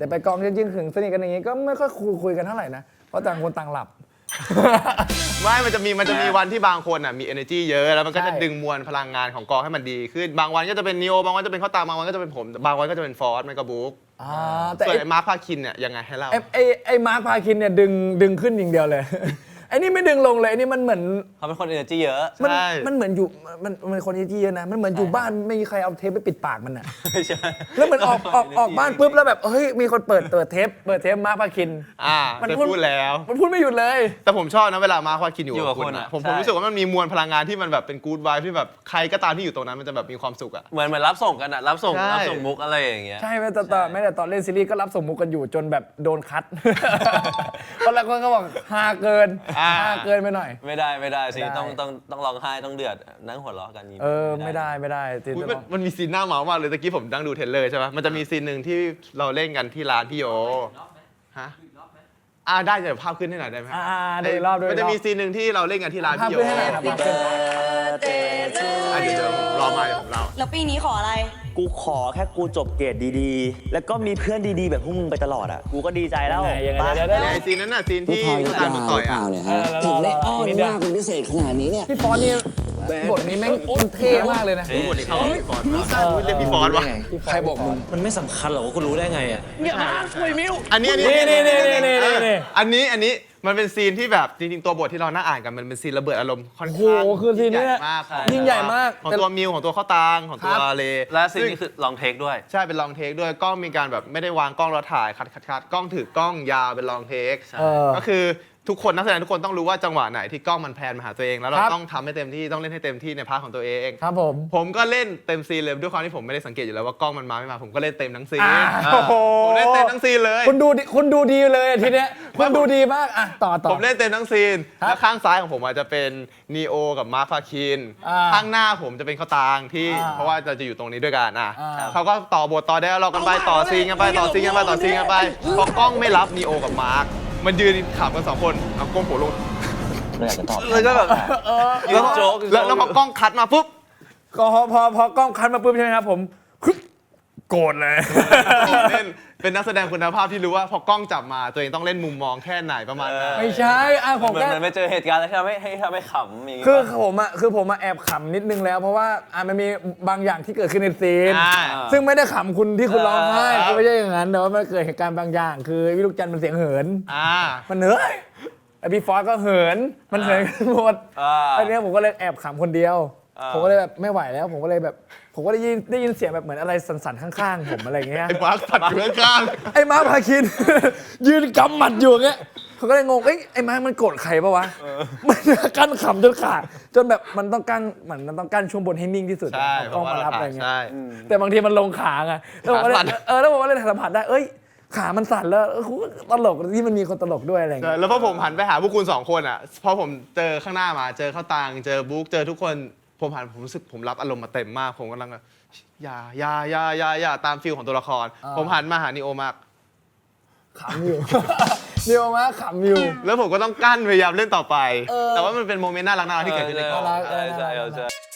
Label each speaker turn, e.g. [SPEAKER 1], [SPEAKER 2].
[SPEAKER 1] แต่ไปกองจริงๆถึงสนิทกันอย่างงี้ก็ไม่ค่อยคุยกันเท่าไหร่นะเพราะต่างคนต่างหลับ
[SPEAKER 2] ไม่มันจะมีวันที่บางคนอ่ะมี energy เยอะแล้วมันก็จะ
[SPEAKER 1] ใช่
[SPEAKER 2] ดึงมวลพลังงานของกองให้มันดีขึ้นบางวันก็จะเป็นนิโอบางวันจะเป็นข้าวตามบางวันก็จะเป็นผมบางวันก็จะเป็นฟอร์สไม่ก็บุ๊ก
[SPEAKER 1] แต่
[SPEAKER 2] ส่วนไอ้มาร์คพาคินเนี่ยยังไงให้เล่า
[SPEAKER 1] ไอ้มาร์คพาคินเนี่ยดึงขึ้นอย่างเดียวเลย ไอ้นี่ไม่ดึงลงเลยไอ้นี่มันเหมือน
[SPEAKER 3] เขาเป็นคนเอเนอร์จีเยอะ
[SPEAKER 1] มันมันเหมือนอยู่มันคนที่เยอะนะมันเหมือนอยู่บ้านไม่มีใครเอาเทปไปปิดปากมันอ่ะ
[SPEAKER 3] ไม่ใช่
[SPEAKER 1] แล้วเหมือนออกบ้านปุ๊บแล้วแบบเฮ้ยมีคนเปิดเทปมาร์คพาคิน
[SPEAKER 2] มันพูดแล้ว
[SPEAKER 1] มันพูดไม่หยุดเลย
[SPEAKER 2] แต่ผมชอบนะเวลามาร์คพาคินอยู่
[SPEAKER 3] อยู่กั
[SPEAKER 2] กับบ คุณ
[SPEAKER 3] คน
[SPEAKER 2] อะ
[SPEAKER 3] อะ
[SPEAKER 2] ผม
[SPEAKER 3] ใช่
[SPEAKER 2] รู้สึกว่ามันมีมวลพลังงานที่มันแบบเป็นกู๊ดไวท์ที่แบบใครก็ตามที่อยู่ตรงนั้นมันจะแบบมีความสุขอะ
[SPEAKER 3] เหมือนรับส่งกันอะรับส่ง
[SPEAKER 2] ใช่
[SPEAKER 3] มุกอะไรอย่างเงี้ย
[SPEAKER 1] ใช่ไหมแม้แต่ตอนเล่นซีรีส์ก็รับส่งมุกกันอยู่จนแบบโดนคัด ตอนแรกคนก็บอกฮาเกินไปหน่อย
[SPEAKER 3] ไม่ได้สิ
[SPEAKER 1] ไม่ได้
[SPEAKER 3] ต้องร้องไห้ต้องเดือดนั่งหัวเราะกัน
[SPEAKER 1] ไม่ได้จริง
[SPEAKER 2] อุ๊ยมันมีซีนหน้าเมามากเลยตะกี้ผมนั่งดูเทรลเลอร์ใช่ไหมมันจะมีซีนหนึ่งที่เราเล่นกันที่ร้านพี่โยฮะได้เดี๋ยวภาพขึ้นให้หน่อยได้ไหม
[SPEAKER 1] ได้อีกรอบด้วย
[SPEAKER 2] มันจะมีซีนหนึ่งที่เราเล่นกันที่ร้าน
[SPEAKER 1] ภาพ
[SPEAKER 2] พี่โย
[SPEAKER 1] ขึ้นให้หน่อยครับภาพขึ้น
[SPEAKER 2] เดี๋ยวผมรอมาเดี๋ยวผมเล่า
[SPEAKER 4] แล้วปีนี้ขออะไร
[SPEAKER 5] กูขอแค่กูจบเกรดดีๆ แล้วก็มีเพื่อนดีๆ แบบพวกมึงไปตลอดอ่ะ กูก็ดีใจแล้ว
[SPEAKER 1] ยังไง
[SPEAKER 5] ปะ
[SPEAKER 1] เดี๋ยว
[SPEAKER 2] ไอ้ซีนนั้นน่ะซีนที่
[SPEAKER 6] พี่พร
[SPEAKER 2] ตามมาต่อย
[SPEAKER 6] เป
[SPEAKER 2] อ่ะ
[SPEAKER 6] ล่าเนี่ยฮะถึงได้อ้อนมากเป็นพิเศษขนาดนี้เนี่ย
[SPEAKER 1] พี่ฟอนนี่บทนี้แม่งเท่มากเลยนะ
[SPEAKER 2] บทนี้เขาพี่ฟอร์ดเรียกพี่ฟอร์ดวะ
[SPEAKER 1] ใครบอกมึง
[SPEAKER 5] มันไม่สำคัญหรอกว่ากูรู้ได้ไงอ่ะ
[SPEAKER 2] อันนี้
[SPEAKER 1] นี่
[SPEAKER 2] อันนี้มันเป็นซีนที่แบบจริงๆตัวบทที่เรานั่งอ่านกันมันเป็นซีนระเบิดอารมณ์ค่อน
[SPEAKER 1] โอ้โห
[SPEAKER 2] ข้าง
[SPEAKER 1] คือซีนนี้
[SPEAKER 2] ยิ่งใหญ่มาก
[SPEAKER 1] ยิ่งใหญ่มาก
[SPEAKER 2] ของตัวมิวของตัวข้าวตางของตัวเล
[SPEAKER 3] และซีนนี้คือลองเทคด้วย
[SPEAKER 2] ใช่เป็นลองเทคด้วยกล้องมีการแบบไม่ได้วางกล้องแล้วถ่ายคัดกล้องถือกล้องยาวเป็นลองเทค ก็คือทุกคนนักแสดงทุกคนต้องรู้ว่าจังหวะไหนที่กล้องมันแพนมาหาตัวเองแล้วเรา
[SPEAKER 1] ครับ
[SPEAKER 2] ต้องทำให้เต็มที่ต้องเล่นให้เต็มที่ในพาร์ทของตัวเอง
[SPEAKER 1] ครับผม
[SPEAKER 2] ผมก็เล่นเต็มซีนเลยด้วยความที่ผมไม่ได้สังเกตอยู่แล้วว่ากล้องมันมาไม่มาผมก็เล่นเต็มทั้งซีน
[SPEAKER 1] โอ้โห
[SPEAKER 2] ผมเล่นเต็มทั้งซีนเลย
[SPEAKER 1] คุณดูดีเลยทีเนี้ยคุณดูดีมากอ่ะต่อ
[SPEAKER 2] ผมเล่นเต็มทั้งซีน
[SPEAKER 1] ครับ
[SPEAKER 2] แล้วข้างซ้ายของผมอาจจะเป็นนีโอกับมาร์คพาคิน ข้างหน้าผมจะเป็นข้าวตางที่เพราะว่าเราจะอยู่ตรงนี้ด้วยกันเขาก็ต่อบทต่อได้เรากันไปต่อซีนกันไปต่อซีนกันไปต่อซีนกันไปพอกล้องไม่รับนีโอกับมาร์คมันยืนขำกันสองคนเอาก้มหัวลง
[SPEAKER 5] ไม่อยากจะตอบ
[SPEAKER 2] แล้วก็แบบ
[SPEAKER 3] ยืนโจ๊ก
[SPEAKER 2] แล้วพอกล้องคัดมาปุ๊บ
[SPEAKER 1] ก็พอกล้องคันมาปุ๊บใช่ไหมครับผมโกรธเลย
[SPEAKER 2] เล่นเป็นนักแสดงคุณภาพที่รู้ว่าพอกล้องจับมาตัวเองต้องเล่นมุมมองแค่ไหนประมาณนั้น
[SPEAKER 1] ไม่ใช่ผม
[SPEAKER 3] เหมือน
[SPEAKER 1] แค่
[SPEAKER 3] มันไปเจอเหตุการณ์แล้วที่ทำให้ขำอย่างงี้
[SPEAKER 1] คือผมแอบขำนิดนึงแล้ว เพราะว่ามันมีบางอย่างที่เกิดขึ้นในซีน ซึ่งไม่ได้ขำคุณที่คุณร้องไห้คือไม่ใช่อย่างนั้นแต่ว่ามันเกิดเหตุการณ์บางอย่าง คือวิลูกจันทร์มันเสียงเหิน มันเฮ้ยไอพี่ฟอสก็เหินมันเหินกันหมดอันนี้ผมก็เลยแอบขำคนเดียว ผมก็เลยแบบไม่ไหวแล้ว ผมก็ได้ยินเสียงแบบเหมือนอะไรสั่นๆข้างๆผมอะไรอย่างเงี้ย
[SPEAKER 2] ไอ้มาร์คตัดอยู่ข้าง
[SPEAKER 1] ไอ้มาร์คพาคิน ยืนกำหมัดอยู่อย่างเงี้ยเขาก็เลยงงไอ้มาร์คมันโกรธใครปะวะมันกั้นขำจนขาดจนแบบมันต้องกั้นช่วงบนให้นิ่งที่สุด
[SPEAKER 2] ใช่
[SPEAKER 1] กล้องมารับอะไรเงี้ย
[SPEAKER 2] ใช่
[SPEAKER 1] แต่บางทีมันลงขาไงแล้วผมก็เลย
[SPEAKER 2] ขาสั่น
[SPEAKER 1] แล้วผมก็เลยสัมผัสได้ขามันสั่นแล้วตลกที่มันมีคนตลกด้วยอะไร
[SPEAKER 2] ใช่
[SPEAKER 1] เงี้ย
[SPEAKER 2] แล้วพอผมหันไปหาพวกคุณสองคนอ่ะพอผมเจอข้างหน้ามาเจอข้าวตางเจอบุ๊กเจอทุกคนผมรู้สึกผมรับอารมณ์มาเต็มมากผมกำลังแบบอย่าตามฟิลของตัวละคร ผมหันมาหานิโอมาก
[SPEAKER 1] ขำอยู่ เดียวมาขำอยู่
[SPEAKER 2] แล้วผมก็ต้องกั้นพยายามเล่นต่อไป แต่ว่ามันเป็นโมเมนต์น่ารักที่เกิดขึ้นในกอง
[SPEAKER 1] น่ารัก
[SPEAKER 3] ใช่